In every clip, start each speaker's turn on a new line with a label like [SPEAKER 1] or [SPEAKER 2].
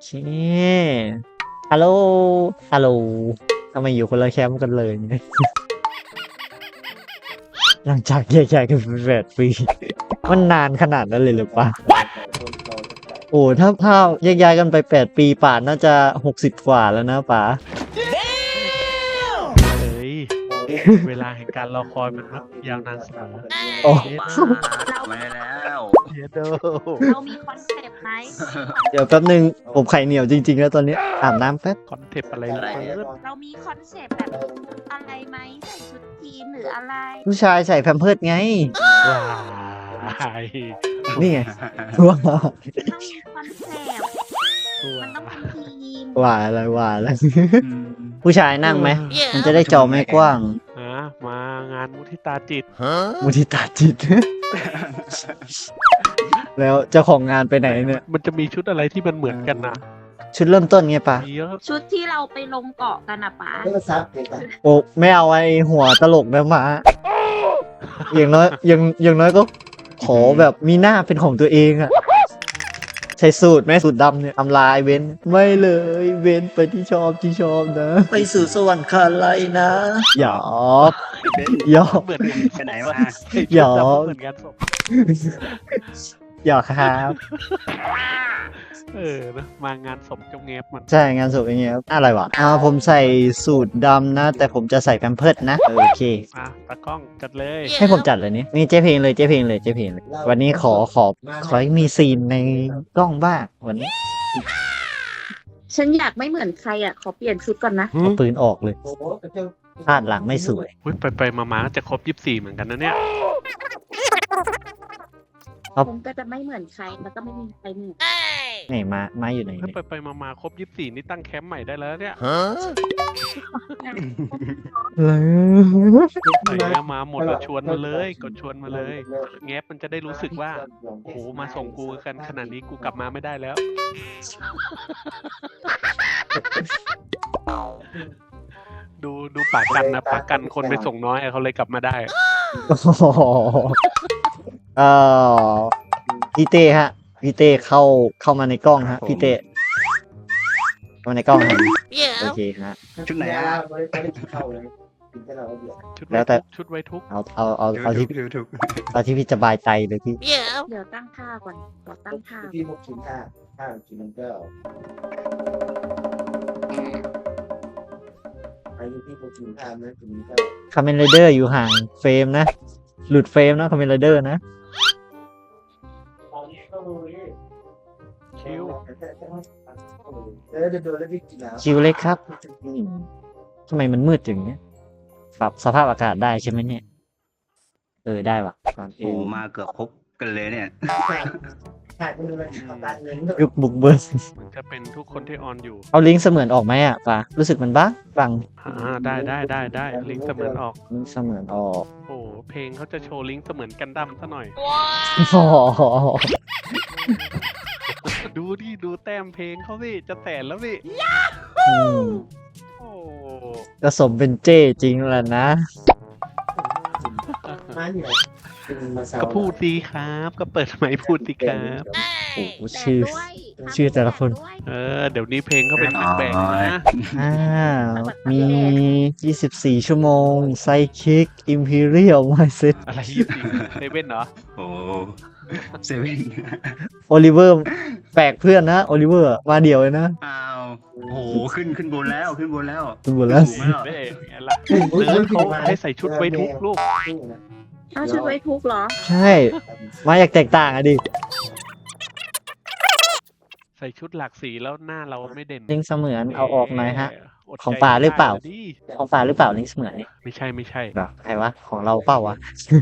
[SPEAKER 1] เช่ฮัลโหลฮัลโหลทำไมอยู่คนละแคมป์กันเลยเนี่ยหลังจากแยกย้ายกันไป8 ปีมันนานขนาดนั้นเลยหรือปะโอ้ถ้าแยกย้ายกันไป8 ปีป่านน่าจะ60 กว่าแล้วนะป๋า
[SPEAKER 2] เฮ้ย เวลาแห่งการรอคอยมันครับยาวนานเสมอ
[SPEAKER 1] โอ้
[SPEAKER 3] มาแล้ว
[SPEAKER 2] เยโด
[SPEAKER 4] เรามีคอนเซปต์ไหม
[SPEAKER 1] เดี๋ยวแป๊บนึงผมไข่เหนียวจริงๆแล้วตอนนี้อาบน้ำแป๊บ
[SPEAKER 2] คอนเทปอะไรล่ะ
[SPEAKER 4] เรามีคอนเซปต์แบบอะไรไหมใส่ชุดทีมหรืออะไร
[SPEAKER 1] ผู้ชายใส่แพมเพิร์สไง
[SPEAKER 2] ว้าย
[SPEAKER 1] นี่ไงว้า
[SPEAKER 4] ต้องมีคอนเซปต์มันต้องเป็นทีม
[SPEAKER 1] ว่าอะไรว่าอะไรผู้ชายนั่งไหมมันจะได้จอไม่กว้าง
[SPEAKER 2] มางานมุทิตาจิต
[SPEAKER 1] มุทิตาจิต แล้วเจ้าของงานไปไหนเนี่ย
[SPEAKER 2] มันจะมีชุดอะไรที่มันเหมือนกันนะ
[SPEAKER 1] ชุดเริ่มต้นไงปะ
[SPEAKER 2] มีเยอะ
[SPEAKER 4] ชุดที่เราไปลงเกาะกันอะป๋า
[SPEAKER 1] โอ้ไม่เอาไอ้หัวตลกนะมาอย่างน้อยอย่างน้อยก็ขอแบบมีหน้าเป็นของตัวเองอะใส่สูตรไหมสูตรดำเนี่ยทำลายเว้นไม่เลยเว้นไปที่ชอบนะ ไปสู่สวรรค์คาไลนะหยอกหยอก
[SPEAKER 2] เหมือนกัน
[SPEAKER 3] ไปไหนมา
[SPEAKER 1] หยอก
[SPEAKER 2] เหมือนกันศพ
[SPEAKER 1] หยอกครับ
[SPEAKER 2] นะมางานศพเจ้าเงฟมัน
[SPEAKER 1] ใช่งานศพอย่างเงี้ยครับอะไรวะผมใส่สูตรดำนะ แต่ผมจะใส่แพมเพิร์สนะโอเค
[SPEAKER 2] ตากล้องจัดเลย
[SPEAKER 1] ให้ผมจัดเลยนี่เจ๊เพลงเลยเจ๊เพลงเลยวันนี้ขอให้มีซีนในกล้องบ้างวันนี้
[SPEAKER 4] ฉันอยากไม่เหมือนใครอะขอเปลี่ยนชุดก่อนนะ
[SPEAKER 1] เอาปืนออกเลยพลาดหลังไม่สวย
[SPEAKER 2] ไปมาก็จะครบ24เหมือนกันนะเนี่ย
[SPEAKER 1] ครับ
[SPEAKER 4] ผมก็จะไม่เหมือนใครแล้วก็ไม่มีใครเหมือน
[SPEAKER 1] ไหนมาอยู่ไหน
[SPEAKER 2] ถ้า
[SPEAKER 1] เนี่ย
[SPEAKER 2] ไปมาครบ24นี่ตั้งแคมป์ใหม่ได้แล้วเนี่ย ไหนอะมาหมดแล้วชวนมาเลยกดชวนมาเลยแงบมันจะได้รู้สึกว่าโอ้โหมาส่งกูกันขนาดนี้กูกลับมาไม่ได้แล้ว ดูปากกันนะปากกันคนไปส่งน้อยเขาเลยกลับมาได้
[SPEAKER 1] โอ้โหเอ่อพี่เต้ฮะพี่เต้เข้ามาในกล้องฮะพี่เต้เข้ามาในกล้องฮะโอเคฮะ
[SPEAKER 3] ชุดไหนอ่ะ
[SPEAKER 1] แล้วแต่
[SPEAKER 2] ชุดไว้ทุกข์
[SPEAKER 1] เอาที่
[SPEAKER 3] ถูก
[SPEAKER 1] เอาที่พี่สบายใจเลยพี่
[SPEAKER 4] เดี๋ยวตั้งท่าก่อนขอตั้งท่า
[SPEAKER 5] ที่605 5 9ไปที่605นะคุณก็
[SPEAKER 1] คาเมนไรเดอร์อยู่ห่างเฟรมนะ หลุดเฟรมนะคาเมนไรเดอร์นะ
[SPEAKER 2] คิว
[SPEAKER 5] จะโดนแล้วพี่กินแล้ว
[SPEAKER 1] คิวเล็กครับทำไมมันมืดอย่างเนี้ยปรับสภาพอากาศได้ใช่ไหมเนี่ย ได้ว่ะ
[SPEAKER 3] โอ้มาเกือบครบกันเลยเนี่ย
[SPEAKER 5] ขาดไปเลยตัดเงิน
[SPEAKER 1] ยุคบุกเบิร์
[SPEAKER 2] มันจะเป็นทุกคนที่ออนอยู่
[SPEAKER 1] เอาลิงก์เสมือนออกไหมอ่ะป่ะรู้สึกมันบัง
[SPEAKER 2] ได้ลิงก์เสมือนออก
[SPEAKER 1] ลิงก์เสมือนออก
[SPEAKER 2] โอ้โหเพลงเขาจะโชว์ลิงก์เสมือนกันดั้มซะหน่อย
[SPEAKER 1] อ๋อ
[SPEAKER 2] ดูแต้มเพลงเขาสิจะแสนแล้วสิ
[SPEAKER 1] อืม
[SPEAKER 2] โอ้
[SPEAKER 1] ก็สมเป็นเจ้จริงแหละนะ
[SPEAKER 5] มาเนี่ยมาเสา
[SPEAKER 2] ก็พูดดีครับ ก็เปิดไมค์พูดดีครับ
[SPEAKER 1] โอ้โห
[SPEAKER 4] แต่
[SPEAKER 1] ชื่อ
[SPEAKER 4] ด้วย
[SPEAKER 1] ชื่อแต่ละคน
[SPEAKER 4] ด้วย
[SPEAKER 2] เดี๋ยวนี้เพลงเขาเป็นแบ่งๆนะ
[SPEAKER 1] มี24 ชั่วโมงไซคิกอิมพีเรียลไมเซ็ต
[SPEAKER 2] อะไรยี่สิเซเว่นเหรอ
[SPEAKER 3] โอ้เซเว่น
[SPEAKER 1] โอลิเวอร์แปลกเพื่อนนะโอลิเวอร์มาเดี่ยวเลยนะ
[SPEAKER 3] อ้าวโอ้โหขึ้นบนแล้ว
[SPEAKER 1] คุณหมดแล้ว
[SPEAKER 2] ถูกแล้วไงล่ะเนิร์ดเขาให้ใส่ชุดไว้ทุกลูก
[SPEAKER 4] เอาชุดไว้ทุกข์เหรอ
[SPEAKER 1] ใช่ มาอยากแตกต่างอะดิ
[SPEAKER 2] ใส่ชุดหลากสีแล้วหน้าเราไม่เด่น
[SPEAKER 1] ลิงก์เสมือนเอาออกหน่อยฮะ
[SPEAKER 2] ดใจ
[SPEAKER 1] ของป่าหรือเปล่า
[SPEAKER 2] ไม่ได้ดิ
[SPEAKER 1] ของป่าหรือเปล่าลิงก์เสมือนนี่
[SPEAKER 2] ไม่ใช่
[SPEAKER 1] แบบใครวะของเราเปล่าวะ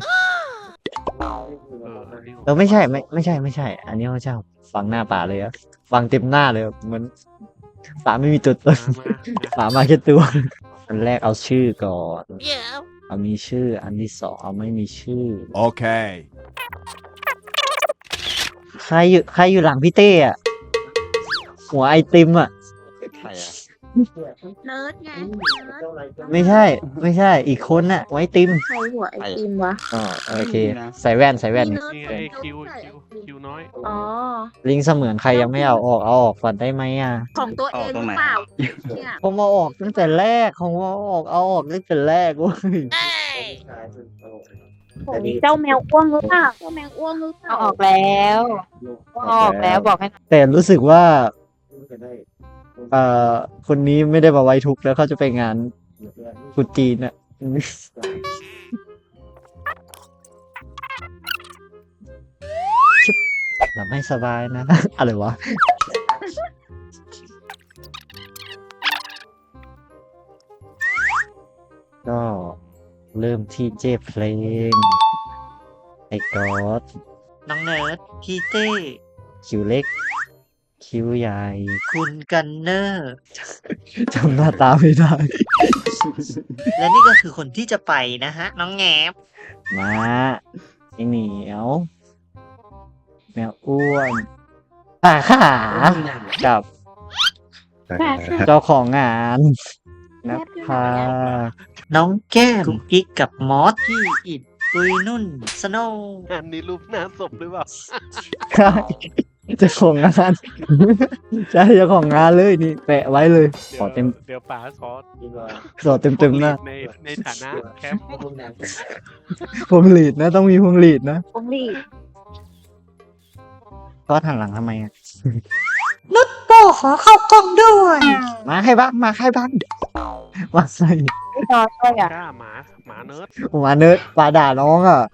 [SPEAKER 2] อันนี้
[SPEAKER 1] ไม่ใช่ไม่ใช่ อันนี้เขาเจ้าฟังหน้าป่าเลยอะฟังเต็มหน้าเลยอะเหมือนป่าไม่มีตัวตน ป่ามาแค่ตัวอันแรกเอาชื่อก่อนเอามีชื่ออันที่สองเอาไม่มีชื่อ
[SPEAKER 6] Okay.
[SPEAKER 1] ใครอยู่หลังพี่เต้อะหัวไอติมอะ
[SPEAKER 3] ใครอ่ะ
[SPEAKER 4] เนิร์ดไงเนิร์ด
[SPEAKER 1] ไม่ใช่ อีกคนน่ะ ไว้ติม
[SPEAKER 4] ใครหัวไอติมวะ
[SPEAKER 1] อ๋อโอเค ใส่แว่น
[SPEAKER 4] มี
[SPEAKER 1] นี่
[SPEAKER 4] เนิร์ด
[SPEAKER 2] นี่ไง
[SPEAKER 4] ใส่
[SPEAKER 2] คิวน้อย
[SPEAKER 4] อ๋อ
[SPEAKER 1] ลิงเสมือนใครยังไม่เอาออกก่อนได้ไหมอ่ะ
[SPEAKER 4] ของตัวเองหรือเปล่าเนี่ย
[SPEAKER 1] ผมเอาออกตั้งแต่แรกของเอาออกตั้งแต่แรกเว้ย
[SPEAKER 4] ของเจ้าแมวอ้วงหรือเปล่าเจ้าแมวอ้วงหรือเปล่า
[SPEAKER 6] เอาออกแล้วเอาออกแล้วบอกให้
[SPEAKER 1] แต่รู้สึกว่าคนนี้ไม่ได้มาไว้ทุกข์แล้วเขาจะไปงานตรุษจีนอ่ะชิบหลับไม่สบายนะ อะไรวะ ก็เริ่มที่เจเพลงไอ้กอดน้องเนิร์ดพี่เต้คิวเล็ก คิวใหญ่ คุณกันเนอร์ จำหน้าตาไม่ได้ และนี่ก็คือคนที่จะไปนะฮะ น้องแงบมาไอเหนียว แมวอ้วนป่าขากับเจ้าของงานนภาน้องแก้มกุ๊กกิ๊กกับมอสที่อิดปุยนุ่นสโนว์
[SPEAKER 2] อันนี้รูปหน้าศพหรือเปล่า
[SPEAKER 1] ใช่เจ้าของงาน ใช่เจ้าของงานเลยนี่แปะไว้เลย ขอเต็ม
[SPEAKER 2] เดี๋ยวป๋าขอ
[SPEAKER 1] ขอเต็มๆนะ
[SPEAKER 2] ในฐานะแคมป์
[SPEAKER 1] พวงหลีดนะ ต้องมีพวงหลีดนะ
[SPEAKER 4] ผมรีบ
[SPEAKER 1] ก็หันหลังทำไมอ่ะนุชโตขอเข้ากล้องด้วย มาให้บ้างมาให้บ้างมาใส่
[SPEAKER 6] ไม่รอช่วยอ่ะ
[SPEAKER 2] กล้าหมาเนิร์ด
[SPEAKER 1] มาเนิร์ดปลาด่าน้องอ่ะ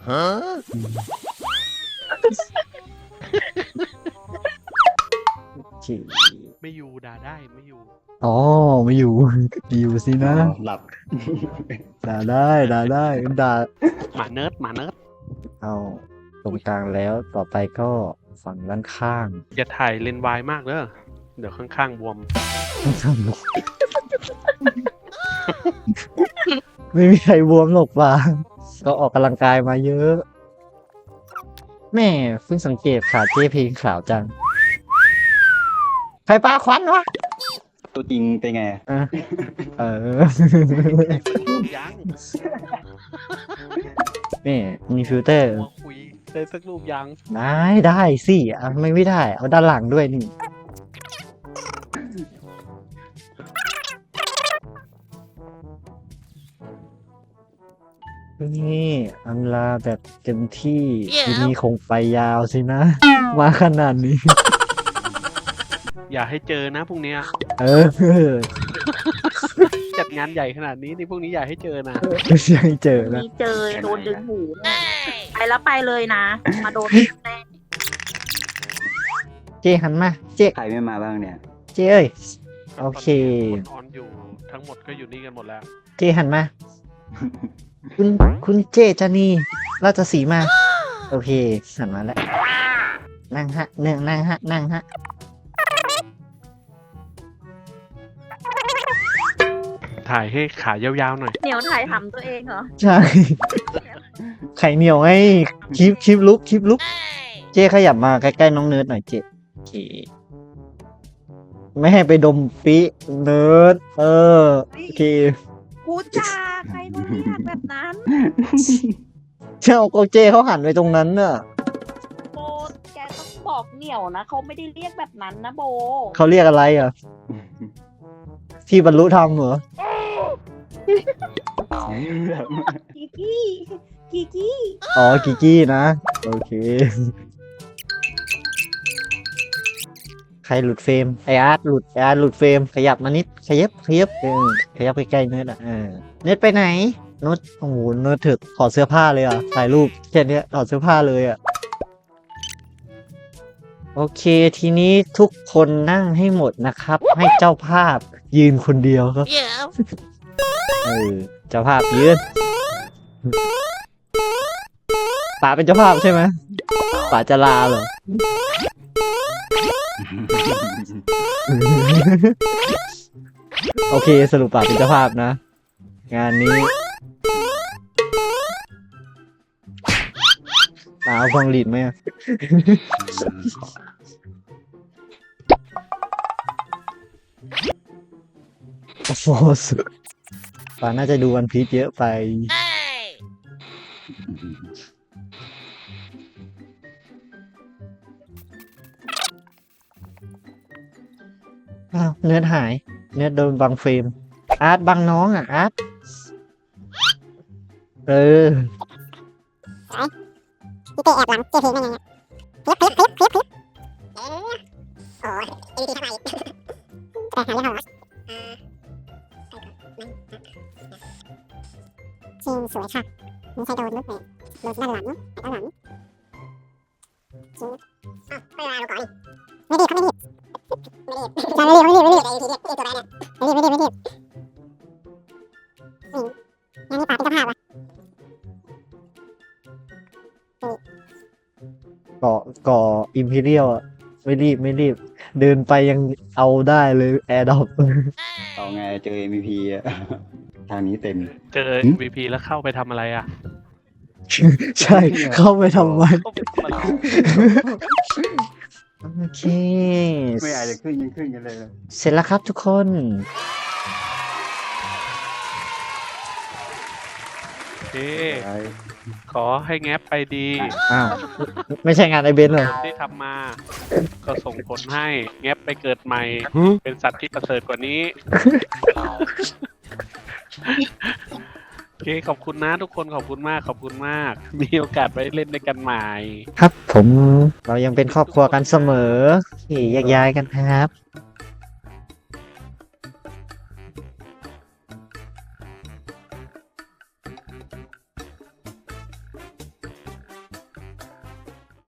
[SPEAKER 1] ฉี่
[SPEAKER 2] ไม่อยู่ด่าได้ไม่อยู่
[SPEAKER 1] อ๋อไม่อยู่ อยู่สินะ
[SPEAKER 3] หลับ
[SPEAKER 1] ด่าได้ด่า
[SPEAKER 2] หมาเนิร์ด
[SPEAKER 1] เอาตรงกลางแล้วต่อไปก็ฝั่งด้านข้าง
[SPEAKER 2] อย่าถ่ายเลนส์วายมากเด้อเดี๋ยวข้างๆบวม
[SPEAKER 1] ไม่มีใครบวมหรอกป่ะก็ออกกำลังกายมาเยอะ แม่เพิ่งสังเกตขาเจ๊เพลงขาวจัง ใครปาควันวะ
[SPEAKER 3] ตัวจริงเป็นไง
[SPEAKER 1] อ่ะเออ
[SPEAKER 2] ยัง
[SPEAKER 1] นี่มีฟิลเตอร์
[SPEAKER 2] หัวคุยได้สักรูปยัง
[SPEAKER 1] ได้สิอ่ะไม่ได้ เอาด้านหลังด้วยนี่ นี่อำลาแบบเต็มที่ทีนี้คงไปยาวสินะ มาขนาดนี้
[SPEAKER 2] อย่าให้เจอนะพรุ่งเนี้ย
[SPEAKER 1] เออ
[SPEAKER 2] จัดงานใหญ่ขนาดนี้นี่พรุ่งนี้อย่าให้เจอนะ
[SPEAKER 1] ยังเจอนะ
[SPEAKER 4] มีเจอโดนดึงหูแน่ไปแล้วไปเลยนะ มาโดนแน่
[SPEAKER 1] เจหันมา เจ
[SPEAKER 3] ใครไม่มาบ้างเนี่ย
[SPEAKER 1] เจเอ้ย โอเค
[SPEAKER 2] คนออนอยู่ทั้งหมดก็อยู่นี่กันหมดแล้ว
[SPEAKER 1] เจหันมา คุณเจจานีราชสีมา โอเคหันมาแล้ว นั่งฮะนั่งฮะ
[SPEAKER 2] ถ่ายให้ขายาวๆหน่อย
[SPEAKER 4] เหนียวถ่ายทำตัวเองเหรอ
[SPEAKER 1] ใช่ ไข่เหนียวไงคลิปลุกเจขยับมาใกล้ๆน้องเนิร์ดหน่อยเจโอเค ไม่ให้ไปดมปิเนิร์ดโอเค
[SPEAKER 4] พูดจาใครเขาเรียกแบบนั้น
[SPEAKER 1] เจ้าก็เจเขาหันไปตรงนั้นน่ะ
[SPEAKER 4] โบแกต้องบอกเหนียวนะเขาไม่ได้เรียกแบบนั้นนะโบ
[SPEAKER 1] เขาเรียกอะไรอ่ะ ที่บรรลุธรรมเหรอ
[SPEAKER 4] กิกี้
[SPEAKER 1] อ๋อกิกี้นะ โอเค ใครหลุดเฟรมไออาร์ตหลุดเฟรมขยับมานิดขยับขยับไปใกล้เนิร์ดอ่ะเนิร์ดไปไหนเนิร์ดโอ้โหเนิร์ดถึกถอดเสื้อผ้าเลยอ่ะถ่ายรูปแค่เนี้ยถอดเสื้อผ้าเลยอ่ะโอเคทีนี้ทุกคนนั่งให้หมดนะครับ ให้เจ้าภาพยืนคนเดียวครับเจ้าภาพยืนป๋าเป็นเจ้าภาพใช่ไหมป๋าจะลาเหรอ โอเคสรุปป๋าเป็นเจ้าภาพนะ งานนี้ป๋าเอาพวงหลีดไหมอะโฟสป่าน่าจะดูวันพีชเยอะไป อ้าวเนื้อหาย เนื้อโดนบังเฟรม อาร์ตบังน้องอ่ะ อาร์ตเออ
[SPEAKER 7] พี่เตะแอบหลังเจอเพลงได้ไงเนี่ยพลิบโอ้ยเอ็นดีทำไมแต่หาเรื่องเขาวะชิงสวยค่ะไม่ใช่โดนลุกเลยโดนด้านหลังด้านหลังชิงอ้าวไม่มาเราก่อนไม่ดีเขาไม่ดีจะไม่ดีไม่ดีตัวแบนเนี่ยไม่ดีนี่ยังมีป่าเป็นเจ้าภาพวะ
[SPEAKER 1] ก่ออิมพีเรียลอ่ะ ไม่รีบ เดินไปยังเอาได้เลยแอร์ดอป
[SPEAKER 3] เอาไงเจอ MVP อะทางนี้เต็ม
[SPEAKER 2] เจอ MVP แล้วเข้าไปทำอะไรอ่ะ
[SPEAKER 1] ใช่เข้าไปทำไม
[SPEAKER 2] เข้าไปทำอะไร
[SPEAKER 1] โอเค
[SPEAKER 3] ไม่อาจจะขึ้นยังขึ้นกันเลย
[SPEAKER 1] เสร็จแล้วครับทุกคน
[SPEAKER 2] โอเค ขอให้แงบไปดี
[SPEAKER 1] อ้าว ไม่ใช่งานไอเบนเหรอ
[SPEAKER 2] ที่ทำมา ก็ส่งผลให้แงบไปเกิดใหม่ เป็นสัตว์ที่ประเสริฐกว่านี้ โอเคขอบคุณนะทุกคนขอบคุณมากขอบคุณมาก มีโอกาสไปเล่นด้วยกันใหม่
[SPEAKER 1] ครับผมเรายังเป็นครอบครัวกันเสมอโอเคแยกย้ายกันครับ